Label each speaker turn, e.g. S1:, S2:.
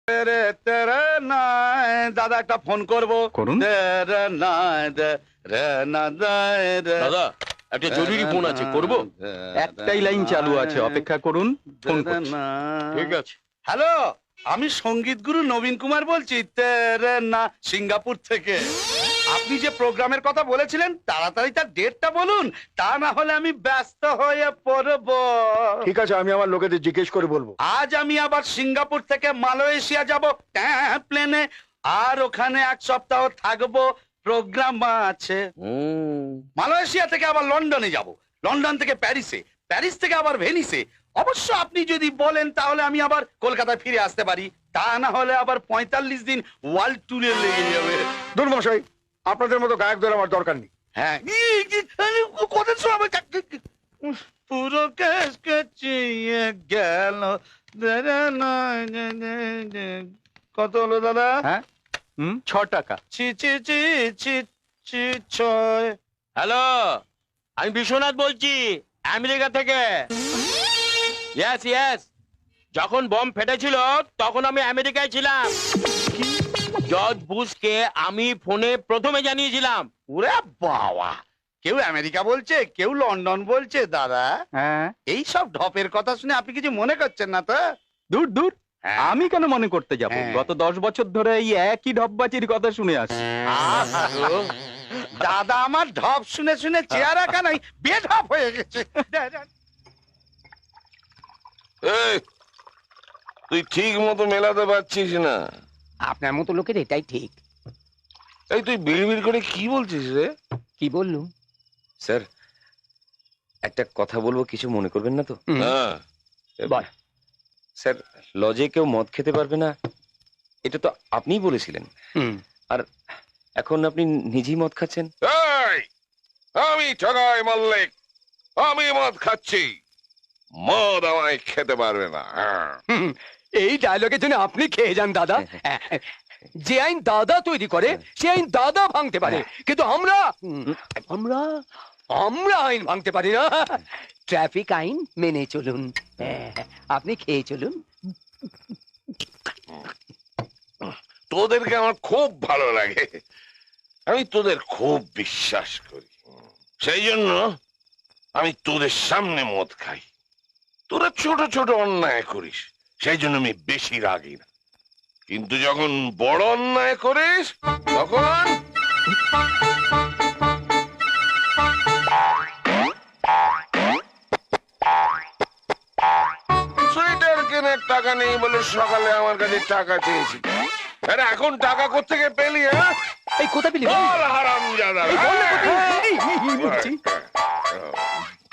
S1: দাদা একটা ফোন করবো।
S2: করুন।
S3: দাদা একটা জরুরি ফোন আছে, করবো?
S2: একটাই লাইন চালু আছে, অপেক্ষা করুন, ফোন করছি।
S3: ঠিক আছে।
S1: হ্যালো, আমি সঙ্গীত গুরু নবীন কুমার বলছি, না সিঙ্গাপুর থেকে। আপনি যে প্রোগ্রামের কথা বলেছিলেন তাড়াতাড়ি তার ডেটটা বলুন, তা না হলে আমি ব্যস্ত হয়ে পড়ব।
S4: ঠিক আছে, আমি আমার লোকেদের জিজ্ঞেস করে বলবো।
S1: আজ আমি আবার সিঙ্গাপুর থেকে মালয়েশিয়া যাব প্লেনে, আর ওখানে 1 সপ্তাহ থাকবো, প্রোগ্রাম আছে। মালয়েশিয়া থেকে আবার লন্ডনে যাব, লন্ডন থেকে প্যারিসে, প্যারিস থেকে আবার ভেনিসে। অবশ্য আপনি যদি বলেন তাহলে আমি আবার কলকাতায় ফিরে আসতে পারি, তা না হলে আবার 45 দিন ওয়ার্ল্ড ট্যুরে লেগে যাবে।
S4: দুর্মশাই, আপনাদের মতো গায়কদের আমার দরকার নেই।
S1: হ্যাঁ, কথা শোনাবে, পুরো কেস কেচিয়ে গেল। কত হলো দাদা?
S2: হ্যাঁ, 6 টাকা।
S1: ছি ছি ছি ছি ছি ছয়।
S3: হ্যালো, আমি বিশ্বনাথ বলছি, আমেরিকা থেকে। ইয়েস ইয়েস, যখন বম ফেটেছিল তখন আমি আমেরিকায় ছিলাম। জর্জ বুশকে আমি ফোনে প্রথমে জানিয়েছিলাম।
S1: ওরে বাবা, কেউ আমেরিকা বলছে, কেউ লন্ডন বলছে। দাদা,
S2: হ্যাঁ,
S1: এই সব ঢপের কথা শুনে আপনি কিছু মনে করছেন না তো?
S2: দূর দূর,
S1: হ্যাঁ।
S2: আমি কেন মনে করতে যাব?
S1: হ্যাঁ।
S2: গত 10 বছর ধরে এই একই ঢপবাজির কথা শুনে আসছি।
S1: দাদা আমার ঢপ শুনে শুনে চেহারা কানাই বেঢপ হয়ে গেছে।
S5: এই, তুই ঠিক মতো মেলাতে পারছিস না।
S6: আপনার মতো লোকের এটাই ঠিক।
S5: এই তুই বিড়বিড় করে কি বলছিস রে?
S6: কি বললুম?
S7: স্যার, একটা কথা বলবো, কিছু মনে করবেন না তো?
S5: হ্যাঁ,
S6: বল।
S7: স্যার, লজে কেউ মদ খেতে পারবে না, এটা তো আপনিই বলেছিলেন। আর এখন আপনি নিজেই মদ খাচ্ছেন।
S5: এই, আমি ঠগাই মল্লিক, আমি মদ খাচ্ছি, মদ আমায় খেতে পারবে না।
S6: এই ডায়লগের জন্য আপনি খেয়ে যান দাদা। যে আইন দাদা তৈরি করে সে আইন দাদা ভাঙতে পারে, কিন্তু আমরা আমরা আমরা আইন ভাঙতে পারি না। ট্রাফিক আইন মেনে চলুন, আপনি খেয়ে চলুন।
S5: তোদেরকে আমার খুব ভালো লাগে, আমি তোদের খুব বিশ্বাস করি, সেই জন্য আমি তোদের সামনে মদ খাই। তোরা ছোট ছোট অন্যায় করিস, সেই জন্য আমি বেশি রাগি না, কিন্তু যখন বড় অন্যায় করিস তখন সোয়েটার কেনার টাকা নেই বলে সকালে আমার কাছে টাকা চেয়েছি, আরে এখন টাকা কোত্থেকে পেলি? হ্যাঁ,
S6: এই কথা বলি
S5: বল হারামজাদা।
S6: বলছি।